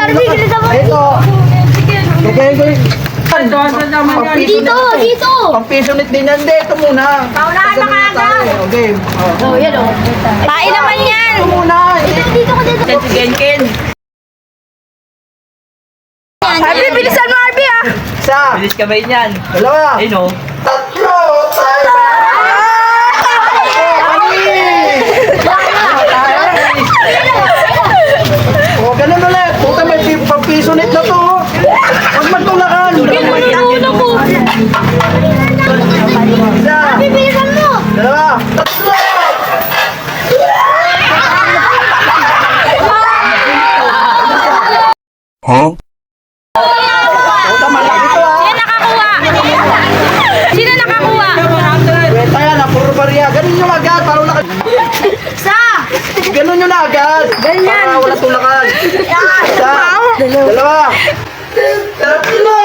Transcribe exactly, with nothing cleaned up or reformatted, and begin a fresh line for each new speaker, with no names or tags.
Arby, kilita mo.
Ito. Gagayin ko yung...
Dito, dito.
Pang piso ulit din yan. Hindi, ito muna.
Paunahan na kaga.
Okay.
Oh, yan oh. Pain naman yan.
Ito muna.
Dito, dito ka dito.
Si Genken.
Arby, bilisan mo Arby ah.
Isa.
Bilis kamay niyan.
Dalawa.
Ayun o.
Tatlo. Tayo. O, ganun ulit. Puta, may pang piso ulit na to. Huwag magtulakan.
Ginununo ko.
Isa.
Arby, bilisan mo.
Dalawa. Tatlo.
Huh?
Puta, malaki to ah.
Sino nakakuha? Sino nakakuha?
Kwenta yan, ah, puro bariya. Ganun yung agad, para wala ka...
Sa.
Ganun yung agad.
Ganyan.
Para wala tulakan. Isa. Dalawa. Tatlo.